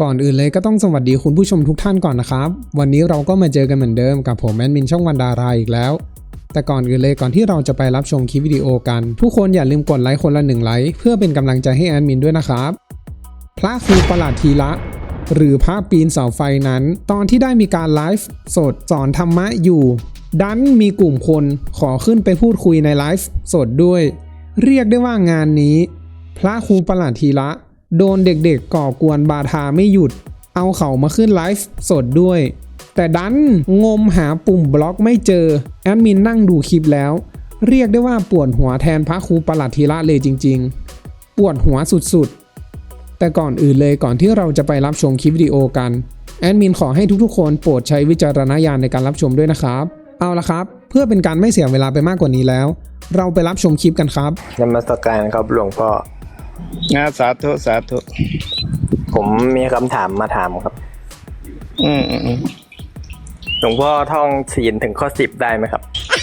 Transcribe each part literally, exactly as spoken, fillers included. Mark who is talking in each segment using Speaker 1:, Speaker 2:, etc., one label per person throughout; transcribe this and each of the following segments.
Speaker 1: ก่อนอื่นเลยก็ต้องสวัสดีคุณผู้ชมทุกท่านก่อนนะครับวันนี้เราก็มาเจอกันเหมือนเดิมกับผมแอดมินช่องวันดาราอีกแล้วแต่ก่อนอื่นเลยก่อนที่เราจะไปรับชมคลิปวิดีโอกันทุกคนอย่าลืมกดไลค์คนละหนึ่งไลค์เพื่อเป็นกำลังใจให้แอดมินด้วยนะครับพระครูประหลัดธีระหรือพระปีนเสาไฟนั้นตอนที่ได้มีการไลฟ์สดสอนธรรมะอยู่ดันมีกลุ่มคนขอขึ้นไปพูดคุยในไลฟ์สดด้วยเรียกได้ว่างานนี้พระครูประหลัดธีระโดนเด็กๆก่อกวนบาทาไม่หยุดเอาเขามาขึ้นไลฟ์สดด้วยแต่ดันงมหาปุ่มบล็อกไม่เจอแอดมินนั่งดูคลิปแล้วเรียกได้ว่าปวดหัวแทนพระครูประหลัดธีระเลยจริงๆปวดหัวสุดๆแต่ก่อนอื่นเลยก่อนที่เราจะไปรับชมคลิปวิดีโอกันแอดมินขอให้ทุกๆคนโปรดใช้วิจารณญาณในการรับชมด้วยนะครับเอาละครับเพื่อเป็นการไม่เสียเวลาไปมากกว่านี้แล้วเราไปรับชมคลิปกันครับ
Speaker 2: นมัสการครับหลวงพ่อ
Speaker 3: นะสาธุสาธุ
Speaker 2: ผมมีคำถามมาถามครับ
Speaker 3: อืมอืม
Speaker 2: หลวงพ่อท่องศีลถึงข้อสิบได้ไหมครับ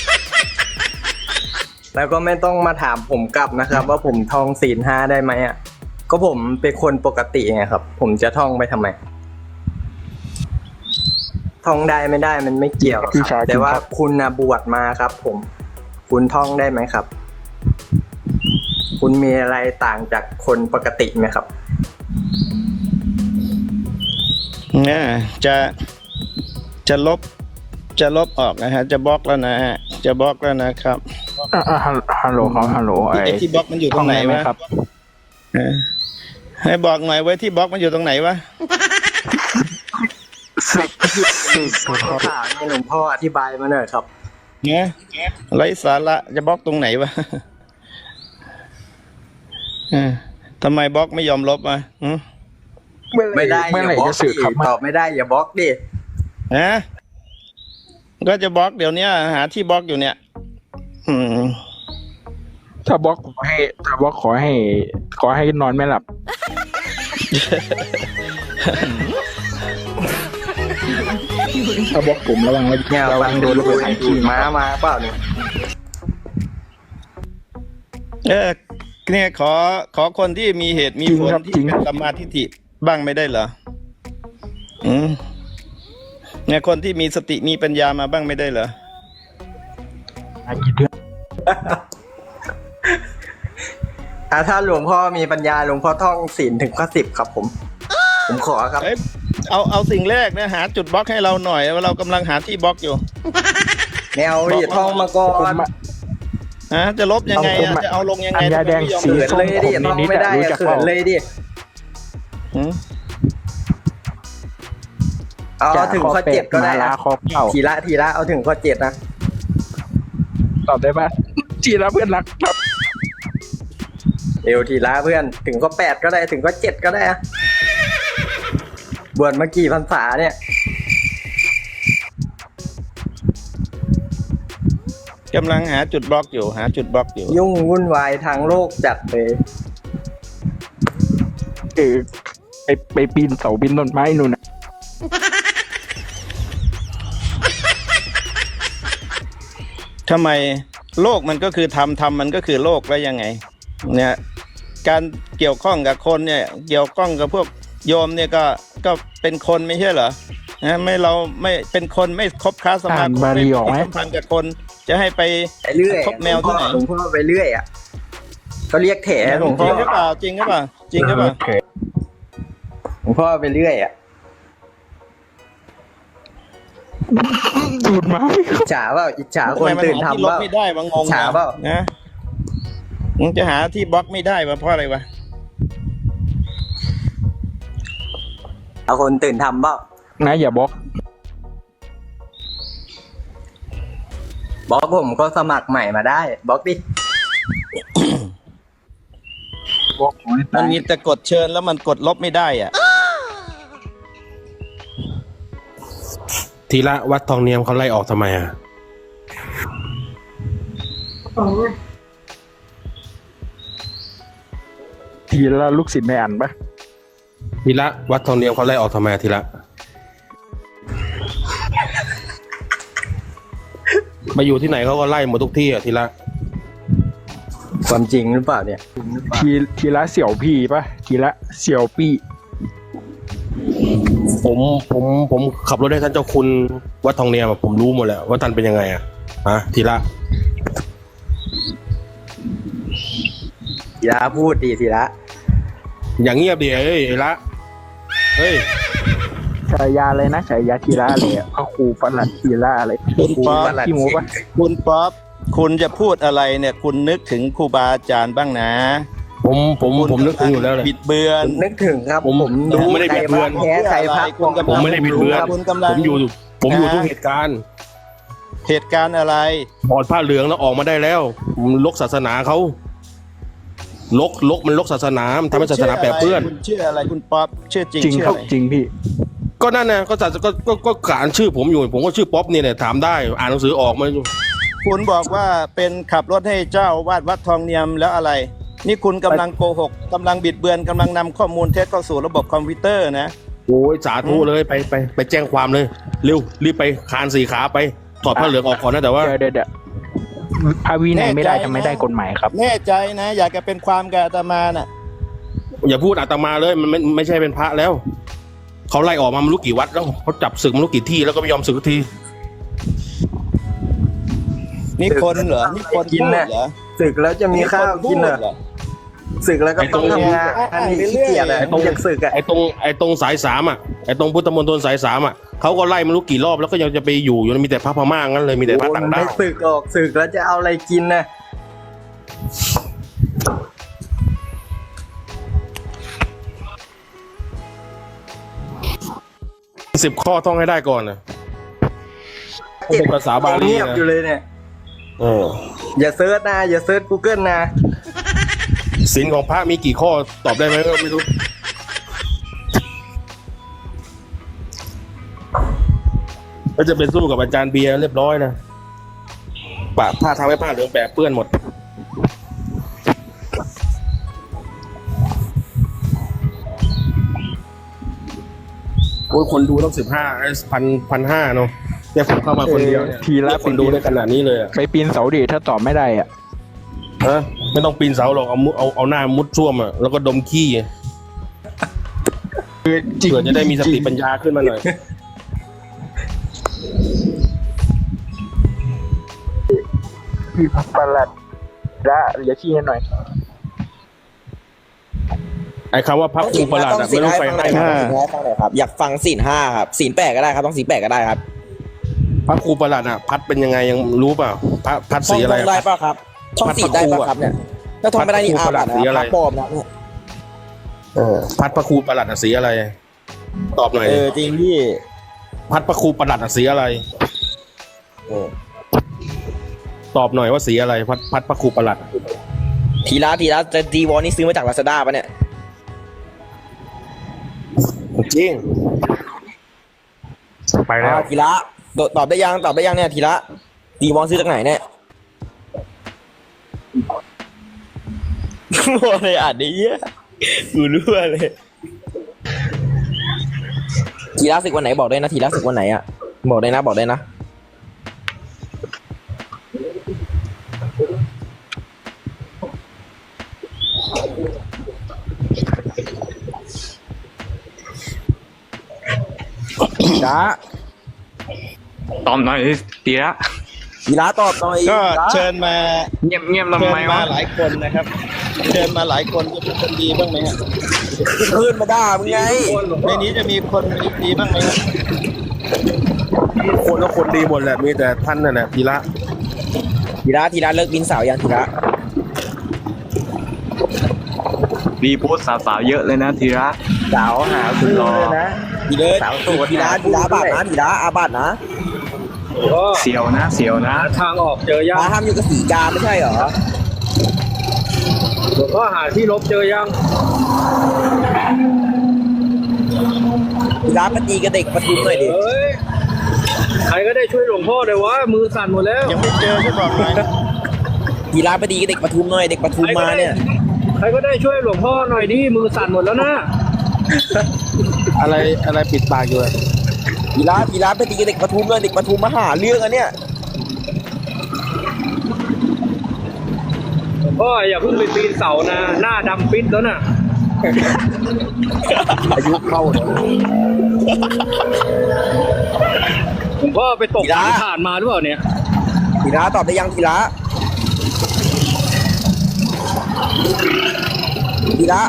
Speaker 2: แล้วก็ไม่ต้องมาถามผมกลับนะครับว่าผมท่องศีลห้าได้ไหมอ่ะก็ผมเป็นคนปกติไงครับผมจะท่องไปทำไมท่องได้ไม่ได้มันไม่เกี่ยวครับแต่ว่าคุณนะบวชมาครับผมคุณท่องได้ไหมครับคุณมีอะไรต่างจากคนปกติไหมครับ
Speaker 3: เนี่ยจะจะลบจะลบออกนะฮะจะบล็อกแล้วนะฮะจะบล็อกแล้วนะครับ
Speaker 4: ฮัลโหลครับฮัลโหลไอ้
Speaker 3: ที่บล็อกมันอยู่ตรงไหนวะครับให้บอกหน่อยไว้ที่บล็อกมันอยู่ตรงไหนวะ
Speaker 2: สิบสิบขอถามให้หลวงพ่ออธิบายมาหน่อยครับ
Speaker 3: เนี่ยไร้สาระจะบล็อกตรงไหนวะทำไมบล็อกไม่ยอมลบอ่ะ
Speaker 2: ไม่ได้อย่าบล็อกดิตอบไม่ได้อย่าบล็อกดิ
Speaker 3: ฮะก็จะบล็อกเดี๋ยวนี้หาที่บล็อกอยู่เนี่ยอืม
Speaker 4: ถ้าบล็อกขอให้ถ้าบล็อกขอให้ขอให้นอนไม่หลับถ้าบล็อกผมระวัง
Speaker 2: เนี่ยระวังโดนลูกหางขี่ม้ามาเปล่าเนี่ย
Speaker 3: เออเนี่ยขอขอคนที่มีเหตุมีผลที่เป็นสัมมาทิฏฐิบ้างไม่ได้เหรออืมเนี่ยคนที่มีสติมีปัญญามาบ้างไม่ได้เหรอ
Speaker 2: อ่าถ้าหลวงพ่อมีปัญญาหลวงพ่อท่องศีลถึงข้อสิบครับผมผมขอครับ
Speaker 3: เอาเอาสิ่งแรกนะหาจุดบล็อกให้เราหน่อยว่าเรากำลังหาที่บล็อกอยู่
Speaker 2: แนวดิท่องมาก่อน
Speaker 3: ฮะจะลบยังไงจะเอาลงยังไง
Speaker 4: ยาแดงสีส้ม
Speaker 2: เลยดิท่องไม่ได้เขินเลยดิเอาถึงข้อเจ็ดก็ได้นะทีละทีละเอาถึงข้อเจ็ดนะ
Speaker 4: ตอบได้ปะทีละเพื่อนรักครับ
Speaker 2: เอวทีละเพื่อนถึงข้อแปดก็ได้ถึงข้อเจ็ดก็ได้อะบวชมากี่พรรษาเนี่ย
Speaker 3: กำลังหาจุดบล็อกอยู่หาจุดบล็อกอยู่
Speaker 2: ยุ่งวุ่นวายทางโลกจัดเลย
Speaker 4: เออไปไปปีนเสาปีนต้นไม้นู่นนะ
Speaker 3: ทำไมโลกมันก็คือธรรมธรรมมันก็คือโลกแล้วยังไงเนี่ยการเกี่ยวข้องกับคนเนี่ยเกี่ยวข้องกับพวกโยมเนี่ยก็ก็เป็นคนไม่ใช่เหรอนะไม่เราไม่เป็นคนไม่คบค้าสมาคมไม่สัมพันธ์กับคนจะให้ไปคบแมวที่ไหน
Speaker 2: หลวงพ่อไปเรื่อยอ่ะเขาเรียกแถหลวงพ่อ
Speaker 3: จริงหรือเปล่าจริงหรือเปล่าจริงหรือเปล่า
Speaker 2: หลวงพ่อไปเรื่อยอ่ะ
Speaker 4: ดูดมา
Speaker 2: อิจฉาเปล่าอิจฉาคนตื่นทำเปล่า
Speaker 3: ไม่ได้บางงง
Speaker 2: อิจฉาเปล่า
Speaker 3: นะมึงจะหาที่บล็อกไม่ได้วะเพราะอะไรวะ
Speaker 2: เอาคนตื่นทำเปล่า
Speaker 4: นะอย่าบล็อก
Speaker 2: บล็อกผมก็สมัครใหม่มาได้บล็อกดิ
Speaker 3: มันมีแต่กดเชิญแล้วมันกดลบไม่ได้อ่ะ
Speaker 5: ทีละวัดทองเนียมเขาไล่ออกทำไมอ่ะ
Speaker 4: ทีละลูกศิษย์ไม่อ่านปะ
Speaker 5: ทีละวัดทองเนียมเขาไล่ออกทำไมทีละมาอยู่ที่ไหนเขาก็ไล่หมดทุกที่อ่ะทีละ
Speaker 2: ความจริงหรือเปล่าเนี่ย
Speaker 4: ทีทีละเสี่ยวพี่ปะทีละเสี่ยวปี้
Speaker 5: ผมผมผมขับรถให้ท่านเจ้าคุณวัดทองเนียมอะผมรู้หมดแล้วว่าท่านเป็นยังไงอะฮะทีละ
Speaker 2: ทีละพูดดีทีละ
Speaker 5: อย่างเงียบดิเอ้ยไอ้ละเฮ้ย
Speaker 4: ฉายาเลยนะฉายาทีละเลยอะพระครูประหลัดทีละอะไร
Speaker 3: คุณป๊อป
Speaker 4: ขี้โม้ปะ
Speaker 3: คุณป๊อปคุณจะพูดอะไรเนี่ย คุณนึกถึงครูบาอาจารย์บ้างนะ
Speaker 5: ผมผมผมนึกถึงอยู่แล้วเลย
Speaker 3: บิดเบือน
Speaker 2: นึกถึงครับ
Speaker 5: ผม
Speaker 2: ผม
Speaker 5: ผมไม่ได้บิดเบือน
Speaker 2: แพ้ใครพัก
Speaker 3: คุณกำลัง
Speaker 5: ผมไม่ได้บิดเบือน
Speaker 3: คุณกำลัง
Speaker 5: ผมอยู่ผมอยู่
Speaker 3: นะ
Speaker 5: ทุกเหตุการณ์
Speaker 3: เหตุการณ์อะไร
Speaker 5: ถอดผ้าเหลืองแล้วออกมาได้แล้วผมลกศาสนาเขาลกลกมันลกศาสนามันทำให้ศาสนาแปรเปื้อน
Speaker 3: คุณชื่ออะไรคุณป๊อปชื่อจริง
Speaker 4: จริง
Speaker 3: ชื่อ
Speaker 4: ครับ
Speaker 3: อะไร
Speaker 4: จริงพี่
Speaker 5: ก็นั่นนะก็ศาสก็ก็ก็ขานชื่อผมอยู่ ผมก็ชื่อป๊อปเนี่ยแหละถามได้อ่านหนังสือออกมา
Speaker 3: คุณบอกว่าเป็นขับรถให้เจ้าวาดวัดทองเนียมแล้วอะไร นี่คุณกำลังโกหกกำลังบิดเบือนกำลังนำข้อมูลเท็จเข้าสู่ระบบคอมพิวเตอร์นะ
Speaker 5: โอ้ยสาธุเลยไปไปไปแจ้งความเลยเร็วรีบไปคานสี่ขาไปถอดผ้าเหลืองออกก่อนนะแต่ว่า
Speaker 4: เดี๋ยวเดี๋ยวเดี๋ยวพระวินัยไม่ได้ทำไม่ได้กฎหมายครับ
Speaker 3: แน่ใจนะ อยากจะเป็นความกับอาตมาน่ะ
Speaker 5: อย่าพูดอาตมาเลยมันไม่ไม่ใช่เป็นพระแล้วเขาไล่ออกมาไม่รู้กี่วัดแล้วเขาจับศึกไม่รู้กี่ที่แล้วก็ไม่ยอมศึกสักที
Speaker 3: นี่คนเหรอนี่คน
Speaker 2: กิน
Speaker 3: พูด
Speaker 2: น่ะ
Speaker 3: เหรอ
Speaker 2: ศึกแล้วจะมีข้าวกินเหรอ
Speaker 3: เหรอ
Speaker 2: ศึกแล้วก็ต้องทำงานอันนี้ขี้เกียจอะต้องอยากศึกอะ
Speaker 5: ไอ้ตรงไอ้ตรงสายสามอ่ะไอ้ตรงพุทธมณฑลสายสามอ่ะเขาก็ไล่ไม่รู้กี่รอบแล้วก็ยังจะไปอยู่อยู่มีแต่พระพม่างั้นเลยมีแต่พระต่าง
Speaker 2: ไม่
Speaker 5: ดาว
Speaker 2: ศึกออกศึกแล้วจะเอาอะไรกินนะ
Speaker 5: สิบข้อท่องให้ได้ก่อนนะเป็นภาษาบาลี
Speaker 2: เงียบ
Speaker 5: นะ
Speaker 2: อยู่เลยเนี่ย
Speaker 5: เออ
Speaker 2: อย่าเซิร์ชนะอย่าเซิร์ช Google นะ
Speaker 5: ศีลของพระมีกี่ข้อตอบได้ไหมก็ไม่รู้ก็จะเป็นสู้กับอาจารย์เบียร์เรียบร้อยนะปะผ้าทำให้ผ้าเหลืองแปะเปื้อนหมดโอ้ยคนดูต้องสิบห้าพันพันห้าเนาะแต่ผมเข้ามาคนเดียวเนี่ย
Speaker 4: ทีละ
Speaker 5: คนดูได้ขนาดนี้เลยอะ
Speaker 4: ไปปีนเสาดิถ้าตอบไม่ได้อ่ะ
Speaker 5: ฮะไม่ต้องปีนเสาหรอกเอามุเอาเอาหน้ามุดช่วมอ่ะแล้วก็ดมขี้เผื่อจะได้มีสติปัญญาขึ้นมาหน่อย
Speaker 4: พี่ประหลัดละอย่าชี้ให้หน่อย
Speaker 5: ไอ้คำว่าพับครูประหลาดอะไม่ต้องไปให้
Speaker 6: ห้า
Speaker 5: นะ
Speaker 6: ฟังหน่อยครับอยากฟังศีลห้าครับศีลแปดก็ได้ครับต้องศีลแปดก็ได้ครับ
Speaker 5: พับครูประหลาดอะพัดเป็นยังไงยังรู้เปล่าพัดพัด
Speaker 6: ท่อง
Speaker 5: สีอะไร
Speaker 6: ท่องได้ป่ะครับท่องศีลได้ป่ะครับเนี่ยถ้าท่องไม่ได้นี่
Speaker 5: พระครู
Speaker 6: อา
Speaker 5: ประหลั
Speaker 6: บั
Speaker 5: ด
Speaker 6: ติ
Speaker 5: สี
Speaker 6: นะ
Speaker 5: อะไร
Speaker 6: พระปลอมนะเนี่ย
Speaker 5: เออพัดพระครูประหลาดอะสีอะไร ตอบหน่อย
Speaker 6: เออจริงพี่
Speaker 5: พัดพระครูประหลาดอะสีอะไร
Speaker 6: เออ
Speaker 5: ตอบหน่อยว่าสีอะไร พัดพัดพระครูประหลาด
Speaker 6: ทีละทีละจะดีวอนี่ซื้อมาจากลาซาด้าป่ะเนี่ย
Speaker 5: จริงไปแล้ว
Speaker 6: อ่าทีละตอบตอบได้ยังตอบได้ยังเนี่ยทีละดีวอนซื้อจากไหนเนี่ยโอ้ยอ่านได้เยอะกูรู้เลยทีละศึกวันไหนบอกได้นะทีละศึกวันไหนอ่ะบอกได้นะบอกได้นะจ้า
Speaker 7: ตอบหน่อยตีละ
Speaker 6: ทีละตอบหน่อย
Speaker 3: ก็
Speaker 6: ทีละ
Speaker 3: เชิญมา
Speaker 7: เงียบเงียบทำ
Speaker 3: เชิญ
Speaker 7: ไม
Speaker 3: มาว
Speaker 7: ะ
Speaker 3: หลายคนนะครับ เชิญมาหลายคนจะเป็นคนดีบ้างไหมฮะ
Speaker 6: ขึ้นมาด่ามึงไง
Speaker 3: ในนี้จะมีคนดีบ้างไหมฮะ
Speaker 5: คนก็คนดีหมดแหละมีแต่ท่านนั่นแหละพีระ
Speaker 6: ทีละทีละเลิกบินสาวยังทีละ
Speaker 7: รีโพสต์สาวๆเยอะเลยนะทีละ
Speaker 6: สาวหาคุณรอนะทีเลิศทีละทีละบาทนะทีละอาบาทนะ
Speaker 7: เสียวนะเสียวนะ
Speaker 2: ทางออกเจอยัง
Speaker 6: มาทำอยู่กับสีกาไม่ใช่เหรอ
Speaker 2: หลวงพ่อหาที่ลบเจอยัง
Speaker 6: ทีละมาตีกับเด็กประทุมหน่อยดิ
Speaker 2: เฮ้ยใครก็ได้ช่วยหลวงพ่อเลยวะมือสั่นหมดแล้ว
Speaker 3: ยังไม่เจอจะบอกหน่อยนะ
Speaker 6: ทีละมาตีกับเด็กประทุมหน่อยเด็กประทุมมาเนี่ย
Speaker 2: ใครก็ได้ช่วยหลวงพ่อหน่อยดิมือสั่นหมดแล้วนะ
Speaker 5: อะไรอะไรปิดปากอยู่อะ
Speaker 6: ทีละทีละไปตีกับเด็กประทุมหน่อยเด็กประทุมมาหาเรื่องอันเนี้ย
Speaker 2: หลวงพ่ออย่าเพิ่งไปปีนเสานะหน้าดำปิดแล้วน่ะ
Speaker 6: อายุเข้าเนี่ย
Speaker 8: ผมก็ไปตกสายถ่านมาหรือเปล่าเนี่ย
Speaker 6: ทีละตอบได้ยังทีละทีละ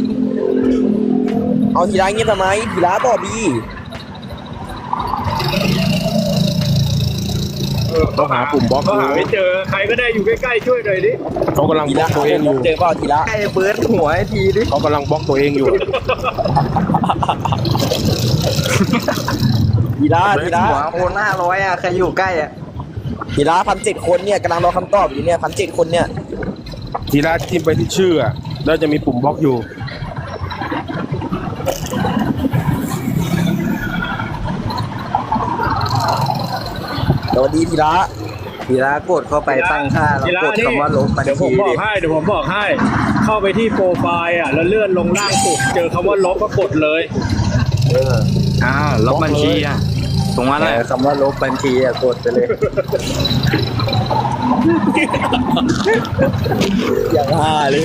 Speaker 6: เอาทีละเงี้ยทำไมทีละตอบดี
Speaker 5: ต้องหาปุ่มบล็อก
Speaker 8: ก็หาไม่เจอใครก็ได้อยู่ใกล้ๆช่วยหน่อยดิ
Speaker 5: เขากำลัง
Speaker 6: ที
Speaker 5: บล็
Speaker 6: ละ
Speaker 5: อกตัวเองอยู่
Speaker 6: เจอเปล่าทีละ
Speaker 2: ไอ้เบิร์ดหัวไอ้ทีดิ
Speaker 5: เขากำลังบล็อกตัวเองอยู่
Speaker 6: ทีละ
Speaker 2: เบิ
Speaker 6: ที
Speaker 2: ร์ด
Speaker 6: ละ
Speaker 2: หัวโอนห้าร้อยอะใครอยู่ใกล้อะ
Speaker 6: ทีละพันเจ็ดคนเนี่ยกำลังรอคำตอบอยู่เนี่ยพันเจ็ดคนเนี่ย
Speaker 5: ทีละจิ้มไปที่ชื่ออะแล้วจะมีปุ่มบล็อกอยู่
Speaker 6: สวัสดีทีละ
Speaker 2: ทีละกดเข้าไปตั้งค่าแล้วกดคำว่าลบบัญ
Speaker 8: เดี๋ยวผ
Speaker 2: ชี
Speaker 8: มบอ
Speaker 2: ดิ
Speaker 8: กให้เดี๋ยวผมบอกให้ เข้าไปที่โปรไฟล์อ่ะแล้วเลื่อนลงล่างสุดเจอคำว่าลบก็กดเลย
Speaker 7: อ้าวลบบัญชีอ่ะตรงนั้นแหละ
Speaker 2: เออคำว่าลบบัญชีอะกดไปเลย
Speaker 6: อย่างฮาเลย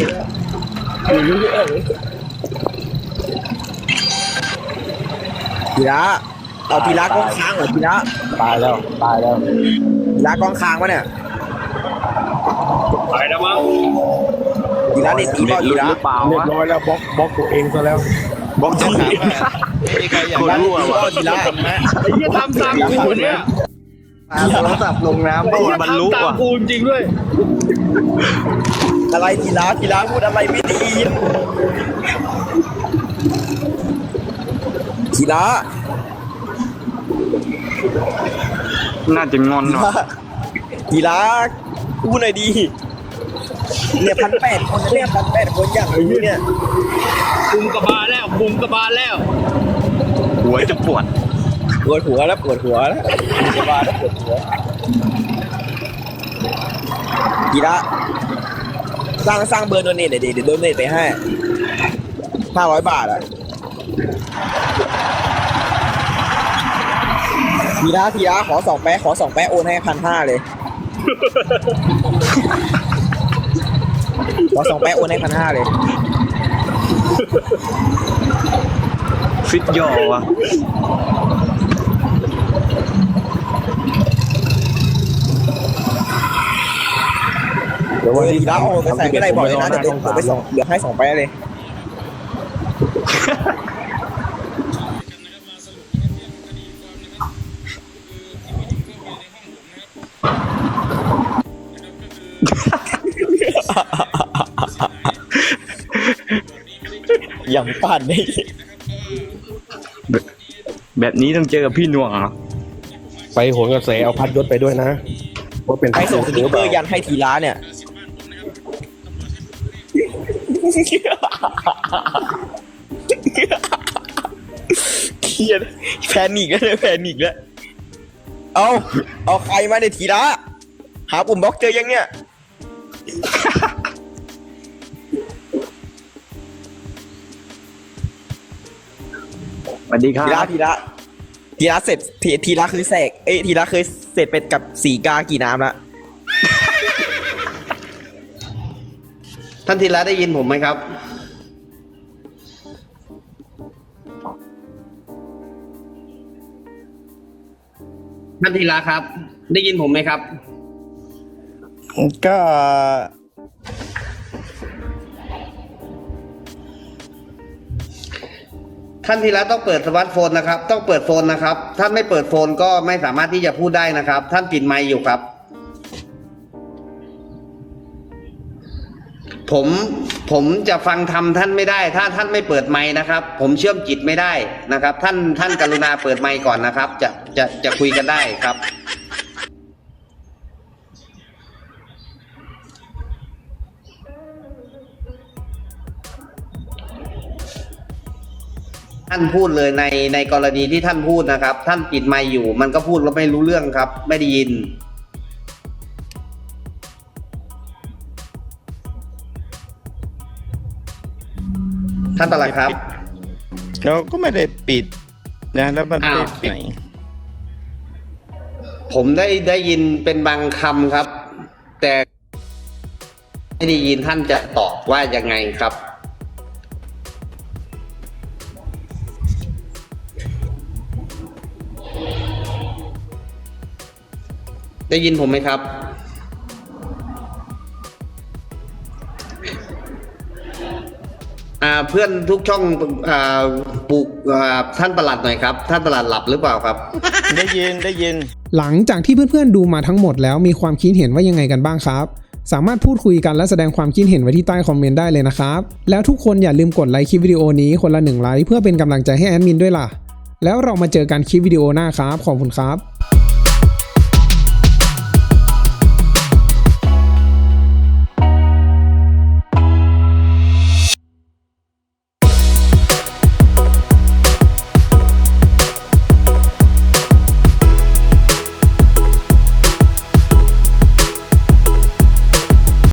Speaker 6: ทีละเอาทีละกองค้างเหรอทีละ
Speaker 4: ตายแล้วตายแล้ว
Speaker 6: ทีละกองค้างวะเนี่ย
Speaker 8: ไปแล้วมั้ง
Speaker 6: ทีละเด็ดทีเปล่าทีละ
Speaker 7: หรือเปล่า
Speaker 5: เรียบ
Speaker 7: วะ
Speaker 5: ร้อยแล้วบล็อกบล็อกตัวเองซะแล้ว
Speaker 7: บล็อกตัวเอง
Speaker 3: มีใครอยาก
Speaker 7: คน
Speaker 3: ได้
Speaker 7: รั่ว
Speaker 6: ที
Speaker 7: วะ
Speaker 6: ละทีละ
Speaker 8: ไอ้เหี้ยทำตามกูเนี่ย
Speaker 2: ปาโทรศัพท์ลงน้ำ
Speaker 8: ไอ้
Speaker 2: โด
Speaker 8: เหี้
Speaker 2: น
Speaker 8: ย
Speaker 2: บรรลุ
Speaker 8: ทำตาม
Speaker 2: อ่ะ
Speaker 8: กูจริงๆด้วย
Speaker 6: อะไรทีละทีละพูดอะไรไม่ดีทีละ
Speaker 7: น่าจะงอน
Speaker 6: ที
Speaker 7: หน่อย
Speaker 6: ละทีละพูดหน่อยดีเนี่ยพันแปดคนเนี่ยพันแปดคนอย่างรู้เนี่ย
Speaker 8: บุมกระบาลแล้วบุมกระบาลแล้ว
Speaker 7: หัวจะปวด
Speaker 6: ปวดหัวแล้วปวดหัวแล้วจะมาแล้วปวดหัวทีละสร้างสร้างเบอร์โดเนทเดี๋ยวเดี๋ยวโดเนทไปให้ห้าร้อยบาทอ่ะทีละทีละขอสองแป๊ะขอสองแป๊ะโอนให้พันห้าเลยขอสองแป๊ะโอนให้พันห้าเลย
Speaker 7: ฟิตย่อวะ
Speaker 6: เดี๋ยววันนี้ทีละโอนไปใส่ไม่ได้บอกเลยนะเดี๋ยวเดี๋ยวไปสองเดี๋ยวให้สองแป๊ะเลย อย่างปั่นนี่
Speaker 7: แบบนี้ต้องเจอกับพี่หน่วงเหรอ
Speaker 5: ไปโหนกระแสเอาพัดยศไปด้วยนะว่าเป็น
Speaker 6: ใครส่งสติ๊กเกอร์ยันให้ทีละเนี่ยเครียดแพนิกแล้วเนี่ยแพนิกแล้วเอาเอาใครมาในยทีละหาปุ่มบล็อกเจอยังเนี่ย
Speaker 7: สวัสดีครั
Speaker 6: ทีละ
Speaker 7: บ
Speaker 6: ทีละทีละเสร็จทีทีละคือแสกเอ้ยทีละเคยเสร็จไปกับสีกากี่น้ำละ
Speaker 9: ท่านธีระได้ยินผมไหมครับ ท่านธีระครับ ได้ยินผมไหมครับ
Speaker 3: ก็
Speaker 9: ท่านธีระต้องเปิดสมาร์ทโฟนนะครับ ต้องเปิดโฟนนะครับ ท่านไม่เปิดโฟนก็ไม่สามารถที่จะพูดได้นะครับ ท่านปิดไมค์อยู่ครับ ผมผมจะฟังทำท่านไม่ได้ ถ้าท่านไม่เปิดไมค์นะครับ ผมเชื่อมจิตไม่ได้นะครับ ท่านท่านกรุณาเปิดไมค์ก่อนนะครับ จะจะจะคุยกันได้ครับ ท่านพูดเลยในในกรณีที่ท่านพูดนะครับ ท่านปิดไมค์อยู่ มันก็พูดแล้วไม่รู้เรื่องครับ ไม่ได้ยิน ท่านตลัดครับ
Speaker 3: เราก็ไม่ได้ปิดนะแล้วมัน
Speaker 9: อ้าว
Speaker 3: ปิดไหน
Speaker 9: ผมได้ได้ยินเป็นบางคำครับ แต่ไม่ได้ยินท่านจะตอบว่ายังไงครับได้ยินผมไหมครับอ่าเพื่อนทุกช่องอ่าปลุกอ่าท่านประหลัดหน่อยครับท่านประหลัดหลับหรือเปล่าครับ
Speaker 3: ได้ยินได้ยิน
Speaker 1: หลังจากที่เพื่อนๆดูมาทั้งหมดแล้วมีความคิดเห็นว่ายังไงกันบ้างครับสามารถพูดคุยกันและแสดงความคิดเห็นไว้ที่ใต้คอมเมนต์ได้เลยนะครับแล้วทุกคนอย่าลืมกดไลค์คลิปวิดีโอนี้คนละหนึ่งไลค์เพื่อเป็นกำลังใจให้แอดมินด้วยล่ะแล้วเรามาเจอกันคลิปวิดีโอหน้าครับขอบคุณครับ